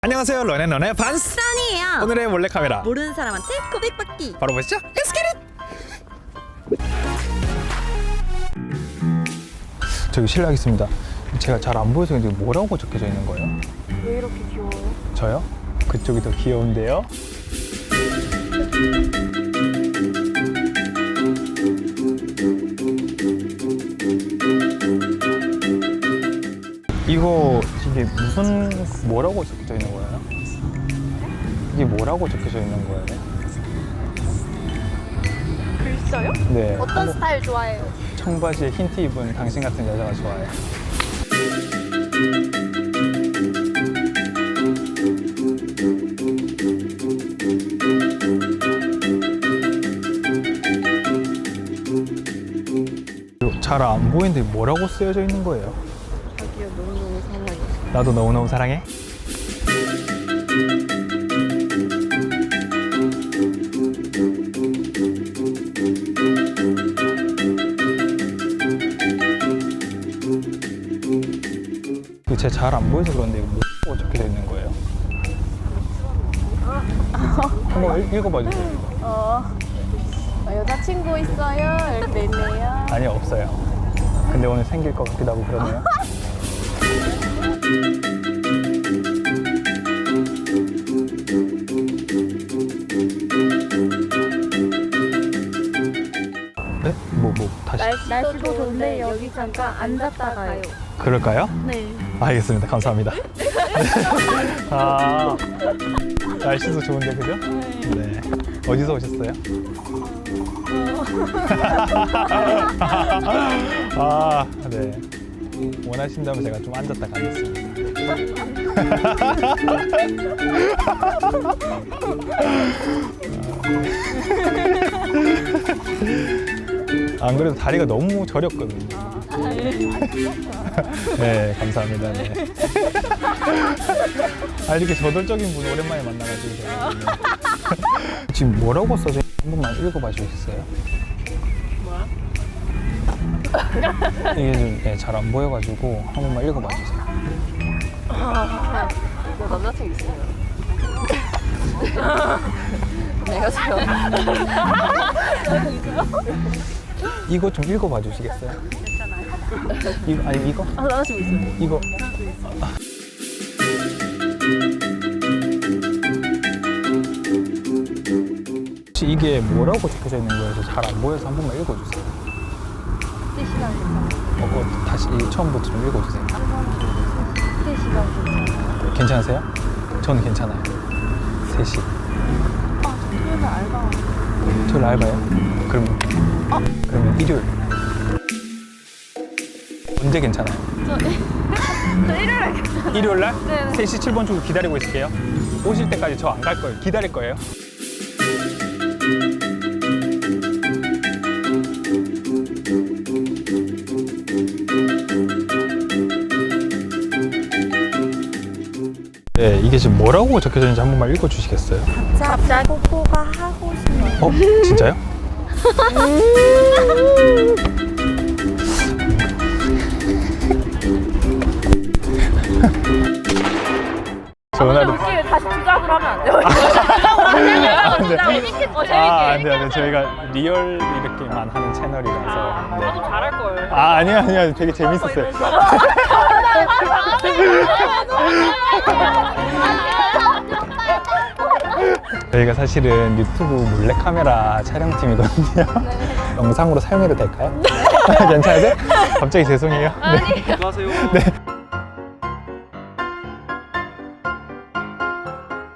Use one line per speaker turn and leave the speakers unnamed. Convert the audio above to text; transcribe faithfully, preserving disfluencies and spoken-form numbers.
안녕하세요, 런앤런의 반스
써니예요.
오늘의 몰래카메라
모르는 사람한테 고백받기.
바로 보시죠. Let's get it! 저기 실례하겠습니다. 제가 잘 안 보여서 지금 뭐라고 적혀져 있는 거예요?
왜 이렇게 귀여워요?
저요? 그쪽이 더 귀여운데요? 이거 이게 무슨 뭐라고 적혀져 있는 거예요? 이게 뭐라고 적혀져 있는 거예요?
글써요?
네.
어떤 스타일 좋아해요?
청바지에 흰 티 입은 당신 같은 여자가 좋아해요. 잘 안 보이는데 뭐라고 쓰여져 있는 거예요?
자기야 너무너무 사랑해.
나도 너무너무 사랑해. 제가 잘 안 보여서 그런데 이거 뭐라고 적혀져 있는 거예요? 한번 읽- 읽어봐 주세요. 이거.
어, 어, 여자친구 있어요? 이렇게 돼 있네요.
아니, 없어요. 근데 오늘 생길 것 같기도 하고 그러네요. 네? 뭐, 뭐, 다시.
날씨도, 날씨도 좋은데 여기 잠깐 앉았다 가요.
그럴까요?
네.
알겠습니다. 감사합니다. 아, 날씨도 좋은데, 그죠? 네. 어디서 오셨어요? 아, 네. 원하신다면 제가 좀 앉았다 가겠습니다. 안 그래도 다리가 너무 저렸거든요. 네, 감사합니다. 네. 아, 이렇게 저돌적인 분 오랜만에 만나가지고 제가. 네. 지금 뭐라고 써져 있는지 한 번만 읽어봐 주시겠어요? 뭐야? 이게 좀 잘 안 보여가지고 한 번만 읽어봐 주세요.
너 남자친구 있어요? 내가 지금
이거 좀 읽어봐 주시겠어요?
괜찮아요.
이거 아니 이거?
아, 남자친구 있어요.
이거. 혹시 이게 뭐라고 적혀져 있는 거여서 잘 안 보여서 한 번만 읽어주세요.
세 시간 괜찮아요.
어, 그거 다시 이 처음부터 좀 읽어주세요.
세 시간 괜찮아요.
괜찮으세요? 저는 괜찮아요. 세 시.
아, 저 토요일 알바.
토요일 알바요? 그러면
어?
그러면 일요일. 언제 괜찮아요?
저, 저 일요일에 괜찮아요.
일요일 날?
네네.
세 시 칠 분 주고 기다리고 있을게요. 오실 때까지 저 안 갈 거예요. 기다릴 거예요. 네, 이게 지금 뭐라고 적혀져 있는지 한 번만 읽어주시겠어요?
갑자기 뽀뽀가 하고 싶어요.
어? 진짜요? 전화로
웃기게 다시 주작으로 하면 안 돼요?
안 돼.
재밌게. 어, 재밌게.
아, 안 돼요. 안 돼요. 저희가 리얼 이렇게만 하는 채널이라서. 네.
나도 잘할 걸.
아, 아니요, 아니요. 되게 재밌었어요. 저희가 사실은 유튜브 몰래카메라 촬영팀이거든요. 영상으로 사용해도 될까요? 괜찮으세요? 갑자기 죄송해요. 네.
안녕하세요.
네.